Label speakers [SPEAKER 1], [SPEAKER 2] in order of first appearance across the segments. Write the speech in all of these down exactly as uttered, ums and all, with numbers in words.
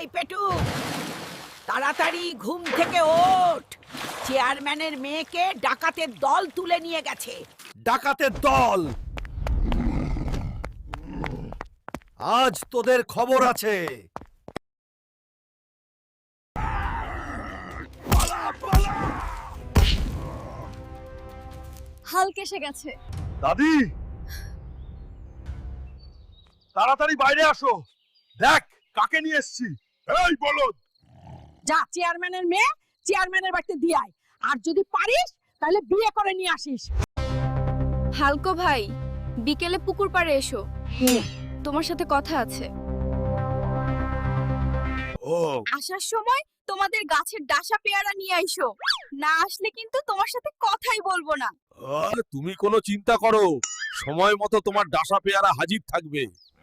[SPEAKER 1] পেটু, তাড়াতাড়ি ঘুম থেকে ওঠ। চেয়ারম্যানের মেয়েকে ডাকাতের দল তুলে নিয়ে গেছে।
[SPEAKER 2] ডাকাতের দল, আজ তোদের খবর আছে।
[SPEAKER 3] হাল্ক এসে গেছে।
[SPEAKER 2] দাদি, তাড়াতাড়ি বাইরে আসো, দেখ কাকে নিয়ে এসেছি। এই বলদ,
[SPEAKER 1] যা চেয়ারম্যানের মেয়ে চেয়ারম্যানের বাড়িতে দিয়ে আয়, আর যদি পারিস তাহলে বিয়ে করে নিয়ে আসিস।
[SPEAKER 3] হালকো ভাই, বিকেলে পুকুর পাড়ে এসো, তোমার সাথে কথা আছে।
[SPEAKER 2] ও
[SPEAKER 3] আসার সময় তোমাদের গাছের ডাসা পেয়ারা নিয়ে আইসো, না আসলে কিন্তু তোমার সাথে কথাই বলবো না।
[SPEAKER 2] আর তুমি কোনো চিন্তা করো, সময় মতো তোমার ডাসা পেয়ারা হাজির থাকবে।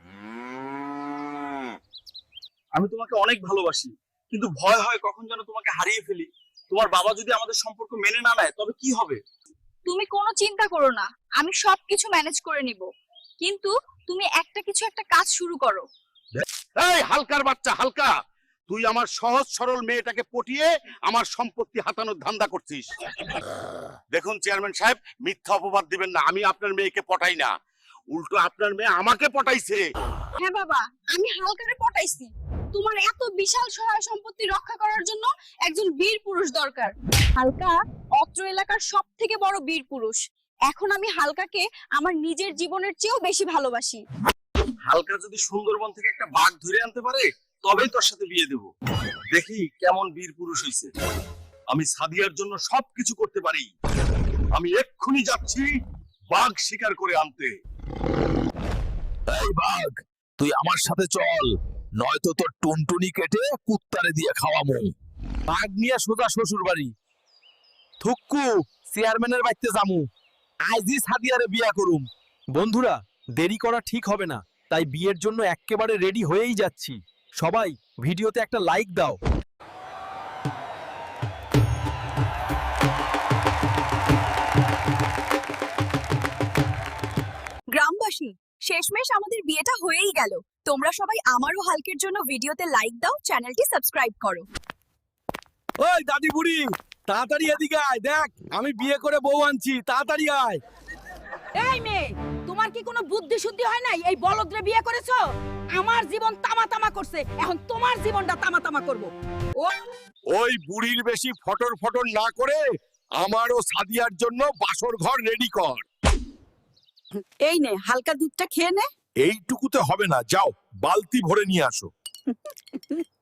[SPEAKER 4] আমি তোমাকে অনেক ভালোবাসি, কিন্তু ভয় হয় কখন যেন তোমাকে হারিয়ে ফেলি। তোমার বাবা যদি আমাদের সম্পর্ক মেনে না নেয় তবে কি হবে?
[SPEAKER 3] তুমি কোনো চিন্তা করো না, আমি সবকিছু ম্যানেজ করে নিব। কিন্তু তুমি একটা কিছু একটা কাজ শুরু করো।
[SPEAKER 5] এই হালকার বাচ্চা হালকা, তুই আমার সহজ সরল মেয়েটাকে পটিয়ে আমার সম্পত্তি হাতানোর ধান্দা করছিস। দেখুন চেয়ারম্যান সাহেব, মিথ্যা অপবাদ দিবেন না, আমি আপনার মেয়েকে পটাই না, উল্টো আপনার মেয়ে আমাকে পটাইছে।
[SPEAKER 3] হ্যাঁ বাবা, আমি হালকারে পটাইছি। তোমার এত বিশাল সহায় সম্পত্তি রক্ষা করার জন্য একজন বীর পুরুষ দরকার। হালকা অত্র এলাকার সব থেকে বড় বীর পুরুষ। এখন আমি হালকাকে আমার নিজের জীবনের চেয়েও বেশি ভালোবাসি।
[SPEAKER 4] হালকা যদি সুন্দরবন থেকে একটা বাঘ ধরে আনতে পারে তবেই তোর সাথে বিয়ে দেব। দেখি কেমন বীর পুরুষ হইছে। আমি সাদিয়ার জন্য সবকিছু করতে পারি। আমি এক্ষুনি যাচ্ছি বাঘ শিকার করে আনতে।
[SPEAKER 2] এই বাঘ, তুই আমার সাথে চল, নয়তো তোর টুনটুনি কেটে কুত্তারে দিয়ে খাওয়ামু। বাঘ নিয়ে সোজা শ্বশুর বাড়ি। থুক্কু, চেয়ারম্যানের বাড়িতে যামু, আইজি সাদিয়ারে বিয়া করুম। বন্ধুরা, দেরি করা ঠিক হবে না, তাই বিয়ের জন্য এক্কেবারে রেডি হয়েই যাচ্ছি। সবাই ভিডিওতে একটা লাইক দাও।
[SPEAKER 3] গ্রামবাসী, শেষমেশ আমাদের বিয়েটা হয়েই গেল। তোমরা সবাই আমারও হালকের জন্য ভিডিওতে লাইক দাও, চ্যানেলটি সাবস্ক্রাইব করো।
[SPEAKER 2] ওই দাদি বুড়ি, তাড়াতাড়ি এদিকে আয়, দেখ আমি বিয়ে করে বউ আনছি, তাড়াতাড়ি আয়।
[SPEAKER 1] এই মেয়ে, তোমার কি কোনো বুদ্ধি শুদ্ধি হয় নাই? এই বলদরে বিয়ে করেছো? আমার জীবন তামা তামা করছে, এখন তোমার জীবনটা তামা তামা করবো। ও
[SPEAKER 5] ওই বুড়ির বেশি ফটর ফটর না করে আমারও সাদিয়ার জন্য বাসর ঘর রেডি কর।
[SPEAKER 1] এই নে, হালকা দুধটা খেয়ে নে।
[SPEAKER 5] এইটুকুতে হবে না, যাও বালতি ভরে নিয়ে আসো।